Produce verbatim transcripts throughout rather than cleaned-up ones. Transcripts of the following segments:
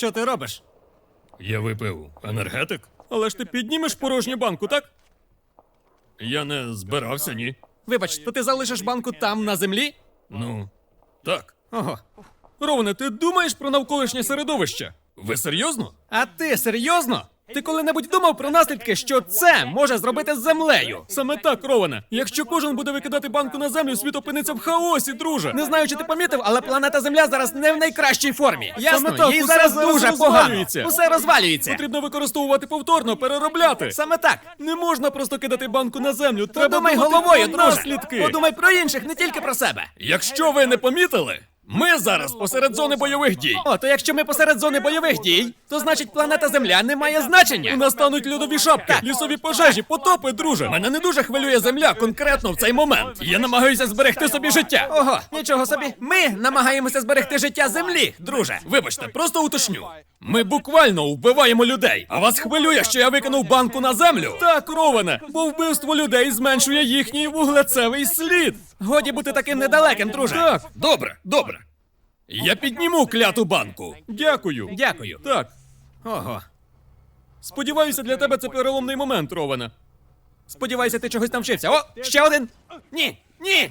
Що ти робиш? Я випив енергетик. Але ж ти піднімеш порожню банку, так? Я не збирався, ні. Вибач, то ти залишиш банку там, на землі? Ну, так. Ого. Роване, ти думаєш про навколишнє середовище? Ви серйозно? А ти серйозно? Ти коли-небудь думав про наслідки, що це може зробити з землею? Саме так, Роване. Якщо кожен буде викидати банку на землю, світ опиниться в хаосі, друже. Не знаю, чи ти помітив, але планета Земля зараз не в найкращій формі. Ясно, Саме так, їй усе зараз зараз дуже розвалюється. погано. Усе розвалюється. Потрібно використовувати повторно, переробляти. Саме так. Не можна просто кидати банку на землю. Треба Подумай думати головою, про друже. наслідки. Подумай про інших, не тільки про себе. Якщо ви не помітили, ми зараз посеред зони бойових дій. О, то якщо ми посеред зони бойових дій, то значить планета Земля не має значення. У нас стануть льодові шапки, лісові пожежі, потопи, друже. Мене не дуже хвилює земля конкретно в цей момент. Я намагаюся зберегти собі життя. Ого, нічого собі. Ми намагаємося зберегти життя Землі, друже. Вибачте, просто уточню. Ми буквально вбиваємо людей. А вас хвилює, що я викинув банку на землю? Так, Роване, бо вбивство людей зменшує їхній вуглецевий слід. Годі бути таким недалеким, друже. Так, добре, добре. Я підніму кляту банку. Дякую. Дякую. Так, Ого. сподіваюся, для тебе це переломний момент, Роване. Сподіваюся, ти чогось навчився. О, ще один. Ні, ні.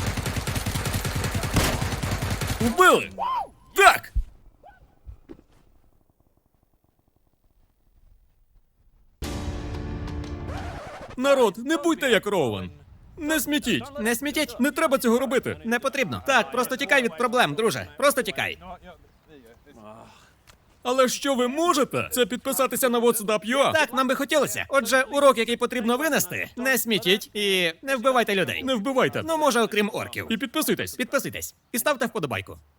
Вбили! Так! Народ, не будьте як Роуен. Не смітіть. Не смітіть. Не треба цього робити. Не потрібно. Так, просто тікай від проблем, друже. Просто тікай. Але що ви можете? Це підписатися на WhatsApp.ua. Так, нам би хотілося. Отже, урок, який потрібно винести, не смітіть і не вбивайте людей. Не вбивайте. Ну, може, окрім орків. І підписуйтесь. Підписуйтесь і ставте вподобайку.